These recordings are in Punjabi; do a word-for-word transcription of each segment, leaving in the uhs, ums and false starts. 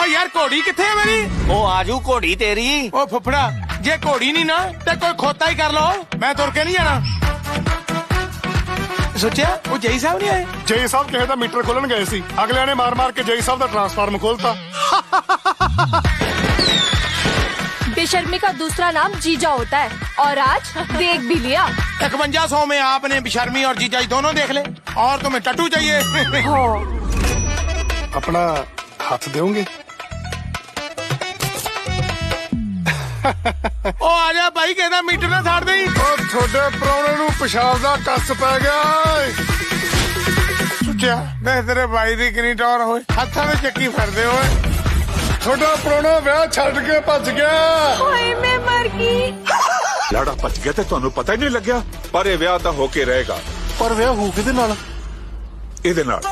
ਓ ਯਾਰ ਘੋੜੀ ਕਿੱਥੇ ਹੈ ਮੇਰੀ? ਉਹ ਆਜੂ ਘੋੜੀ ਤੇਰੀ। ਓ ਫੁੱਫੜਾ ਜੇ ਘੋੜੀ ਨਹੀਂ ਨਾ ਤੇ ਕੋਈ ਖੋਤਾ ਹੀ ਕਰ ਲਓ, ਮੈਂ ਤੁਰ ਕੇ ਨਹੀਂ ਜਾਣਾ। ਸੋਚਿਆ ਉਹ ਜੈ ਸਾਹਿਬ ਨਹੀਂ ਆਏ? ਜੈ ਸਾਹਿਬ ਕਿਸੇ ਦਾ ਮੀਟਰ ਖੋਲਣ ਗਏ ਸੀ, ਅਗਲਿਆਂ ਨੇ ਮਾਰ ਮਾਰ ਕੇ ਜੈ ਸਾਹਿਬ ਦਾ ट्रांसफार्म खोलता। बेशर्मी का दूसरा नाम जीजा होता है और आज देख भी लिया। इकवंजा सौ में आपने बेशर्मी और जीजाई दोनों देख ले, और तुम्हें टट्टू चाहिए। हो अपना हाथ दोगे? ओ आजा भाई कहना मीटर ना छाड़ दे। थोड़े प्राहुणे नूं पेशाब दा कस पै गया। सुच्चा देख तेरे भाई दी कितनी टौर होए, हत्थां ते चक्की फिरदे होए। थोड़ा प्राहुणा विआह छड्ड के भज गया। ओए मैं मर गई। लाड़ा भज गया ते तुहानू पता ही नहीं लग्या, पर ये विआह तां होके रहेगा। पर विआह हो किहदे नाल? इहदे नाल।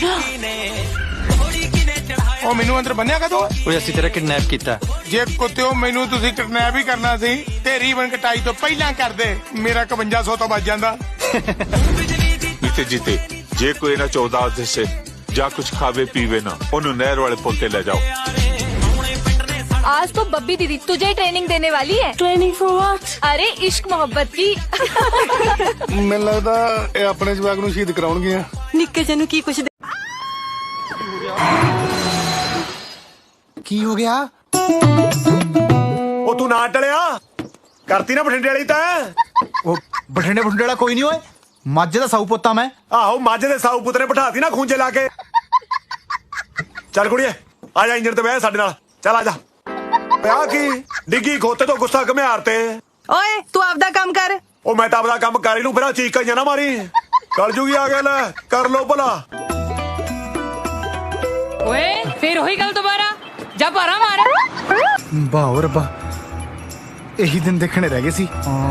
ओ मैनू अंदर बन्निया कदों? ਓਏ ਅਸੀਂ ਤੇਰਾ ਕਿਡਨੈਪ ਕੀਤਾ। ਜੇ ਕੁੱਤਿਓ ਮੈਨੂੰ ਤੁਸੀਂ ਕਿਡਨੈਪ ਹੀ ਕਰਨਾ ਸੀ ਤੇ ਰੀਵਨ ਕਟਾਈ ਤੋਂ ਪਹਿਲਾਂ ਕਰਦੇ, ਮੇਰਾ ਇਕਵੰਜਾ ਸੌ ਤੋਂ ਬਚ ਜਾਂਦਾ। जीते जीते जे कोई ना चौदह से जा कुछ खावे पीवे ना, ओनू नहर वाले पुल ते ले जाओ। आज तो बब्बी दीदी तुझे ही ट्रेनिंग देने वाली है। Training for what? अरे इश्क मोहब्बत की। ਮੈਨੂੰ ਲੱਗਦਾ ਇਹ ਆਪਣੇ ਜਵਾਕ ਨੂੰ ਸ਼ਹੀਦ ਕਰਾਉਣਗੇ। निक्के जनु की कुछ ਕੀ ਹੋ ਗਿਆ? ਉਹ ਤੂੰ ਨਾ ਟਲਿਆ ਕਰਤੀ ਨਾ ਬਠਿੰਡੇ ਵਾਲੀ ਤਾਂ। ਉਹ ਬਠਿੰਡੇ ਬਠਿੰਡੇ ਵਾਲਾ ਕੋਈ ਨਹੀਂ ਓਏ, ਮੱਝ ਦਾ ਸਾਊ ਪੁੱਤਾਂ ਮੈਂ। ਆਹੋ ਮੱਝ ਦੇ ਸਾਊ ਪੁੱਤਰੇ ਬਿਠਾਤੀ ਨਾ ਖੂੰਜੇ ਲਾ ਕੇ। ਚੱਲ ਕੁੜੀਏ ਆ ਜਾ ਇੰਜਣ ਤੇ ਬਹਿ ਸਾਡੇ ਨਾਲ, ਚੱਲ ਆ ਜਾ। ਆ ਕੀ ਡਿੱਗੀ ਖੋਤੇ ਤੋਂ ਗੁੱਸਾ ਘਮਿਆਰ ਤੇ। ਓਏ ਤੂੰ ਆਪਦਾ ਕੰਮ ਕਰ। ਉਹ ਮੈਂ ਤਾਂ ਆਪਦਾ ਕੰਮ ਕਰ ਹੀ ਲੂੰ, ਫਿਰ ਚੀਕਾਂ ਜਾਂ ਨਾ ਮਾਰੀ। ਕਰ ਜੂਗੀ ਆ ਗਿਆ, ਲੈ ਕਰ ਲੋ ਭਲਾ। ਓਏ ਫਿਰ ਉਹੀ ਗੱਲ ਦੁਬਾਰਾ ਜਾ ਭਾਰਾ ਮਾਰ। ਵਾਹ ਰੱਬਾ, ਇਹੀ ਦਿਨ ਦੇਖਣੇ ਰਹਿ ਗਏ ਸੀ।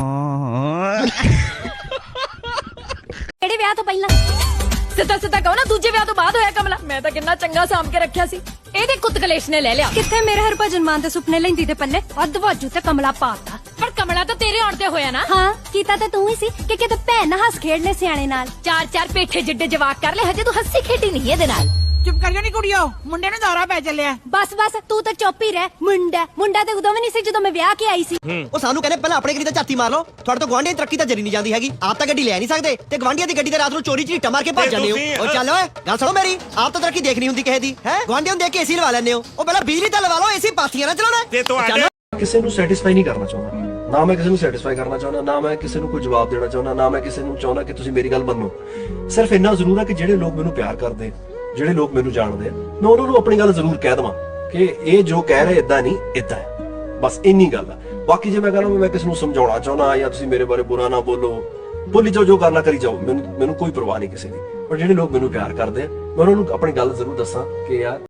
ਕਿਹੜੇ ਵਿਆਹ ਤੋਂ ਪਹਿਲਾਂ? ਸਿੱਧਾ ਸਿੱਧਾ ਕਹੋ ਨਾ, ਦੂਜੇ ਵਿਆਹ ਤੋਂ ਬਾਅਦ ਹੋਇਆ ਕਮਲਾ। ਮੈਂ ਤਾਂ ਕਿੰਨਾ ਚੰਗਾ ਸਾਂਭ ਕੇ ਰੱਖਿਆ ਸੀ, ਇਹਦੇ ਕੁੱਤ ਕਲੇਸ਼ ਨੇ ਲੈ ਲਿਆ। ਕਿੱਥੇ ਮੇਰੇ ਹਰਭਜਨ ਮਾਨ ਦੇ ਸੁਪਨੇ ਲੈਂਦੀ ਤੇ ਪੱਲੇ ਅੱਧ ਵਾਜੂ ਤੇ ਕਮਲਾ ਪਾਤਾ। ਪਰ ਕਮਲਾ ਤਾਂ ਤੇਰੇ ਆਉਣ ਤੇ ਹੋਇਆ ਨਾ। ਹਾਂ ਕੀਤਾ ਤਾਂ ਤੂੰ ਹੀ ਸੀ ਕਿ ਕਿਤੇ ਭੈਣ ਨਾ ਹੱਸ ਖੇਡ ਲੈ ਸਿਆਣੇ ਨਾਲ। ਚਾਰ ਚਾਰ ਪੇਠੇ ਜਿੱਡੇ ਜਵਾਕ ਕਰ ਲੈ, ਹਜੇ ਤੂੰ ਹੱਸੀ ਖੇਡੀ ਨਹੀਂ ਇਹਦੇ ਨਾਲ। ਚੁੱਪ ਕਰ ਜਾ ਨੀ ਕੁੜੀਓ, ਮੁੰਡੇ ਨੂੰ ਦੌਰਾ ਪੈ ਚੱਲਿਆ। ਬਸ ਬਸ ਤੂੰ ਤਾਂ ਚੁੱਪ ਹੀ ਰਹਿ। ਮੁੰਡਾ ਮੁੰਡਾ ਤੇ ਉਦੋਂ ਵੀ ਨਹੀਂ ਸੀ ਜਦੋਂ ਮੈਂ ਵਿਆਹ ਕੇ ਆਈ ਸੀ। ਉਹ ਸਾਨੂੰ ਕਹਿੰਦੇ ਪਹਿਲਾਂ ਆਪਣੇ ਗੱਡੀ ਤੇ ਝਾਤੀ ਮਾਰ ਲਓ, ਤੁਹਾਡੇ ਤੋਂ ਗਵਾਂਢੀਆਂ ਦੀ ਤਰੱਕੀ ਤਾਂ ਜਰੀ ਨਹੀਂ ਜਾਂਦੀ ਹੈਗੀ। ਆਪ ਤਾਂ ਗੱਡੀ ਲੈ ਨਹੀਂ ਸਕਦੇ ਤੇ ਗਵਾਂਢੀਆਂ ਦੀ ਗੱਡੀ ਤੇ ਰਾਤ ਨੂੰ ਚੋਰੀ ਝੀਟਾ ਮਾਰ ਕੇ ਭੱਜ ਜਾਂਦੇ ਹੋ। ਉਹ ਚੱਲ ਓਏ ਗੱਲ ਸੁਣੋ ਮੇਰੀ, ਆਪ ਤਾਂ ਤਰੱਕੀ ਦੇਖਣੀ ਹੁੰਦੀ ਕਿਸੇ ਦੀ ਹੈ। ਗਵਾਂਢੀਆਂ ਨੂੰ ਦੇਖ ਕੇ ਏਸੀ ਲਵਾ ਲੈਂਦੇ ਹੋ। ਉਹ ਪਹਿਲਾਂ ਬਿਜਲੀ ਤਾਂ ਲਵਾ ਲਓ, ਏਸੀ ਪਾਥੀਆਂ ਨਾ ਚਲਾਉਣਾ। ਕਿਸੇ ਨੂੰ ਸੈਟੀਸਫਾਈ ਨਹੀਂ ਕਰਨਾ ਚਾਹੁੰਦਾ, ਨਾ ਮੈਂ ਕਿਸੇ ਨੂੰ ਸੈਟੀਸਫਾਈ ਕਰਨਾ ਚਾਹੁੰਦਾ, ਨਾ ਮੈਂ ਕਿਸੇ ਨੂੰ ਕੋਈ ਜਵਾਬ ਦੇਣਾ ਚਾਹੁੰਦਾ, ਨਾ ਮੈਂ ਕਿਸੇ ਨੂੰ ਚਾਹੁੰਦਾ ਕਿ ਤੁਸੀਂ ਮੇਰੀ ਗੱਲ ਮੰਨੋ। ਸਿਰਫ ਇੰਨਾ ਜ਼ਰੂਰ ਹੈ ਕਿ ਜਿਹੜੇ ਲੋਕ ਮੈਨੂੰ ਪਿਆਰ ਕਰਦੇ, ਜਿਹੜੇ ਲੋਕ ਮੈਨੂੰ ਜਾਣਦੇ ਆ, ਮੈਂ ਉਹਨਾਂ ਨੂੰ ਆਪਣੀ ਗੱਲ ਜ਼ਰੂਰ ਕਹਿ ਦੇਵਾਂ ਕਿ ਇਹ ਜੋ ਕਹਿ ਰਹੇ ਇਦਾਂ ਨਹੀਂ, ਇਦਾਂ ਹੈ। ਬਸ ਇੰਨੀ ਗੱਲ ਆ। ਬਾਕੀ ਜੇ ਮੈਂ ਕਹਾਂ ਮੈਂ ਕਿਸੇ ਨੂੰ ਸਮਝਾਉਣਾ ਚਾਹੁੰਦਾ ਜਾਂ ਤੁਸੀਂ ਮੇਰੇ ਬਾਰੇ ਬੁਰਾ ਨਾ ਬੋਲੋ, ਬੋਲੀ ਜਾਓ, ਜੋ ਕਰਨਾ ਕਰੀ ਜਾਓ, ਮੈਨੂੰ ਮੈਨੂੰ ਕੋਈ ਪਰਵਾਹ ਨਹੀਂ ਕਿਸੇ ਦੀ। ਪਰ ਜਿਹੜੇ ਲੋਕ ਮੈਨੂੰ ਪਿਆਰ ਕਰਦੇ ਆ, ਮੈਂ ਉਹਨਾਂ ਨੂੰ ਆਪਣੀ ਗੱਲ ਜ਼ਰੂਰ ਦੱਸਾਂ ਕਿ ਯਾਰ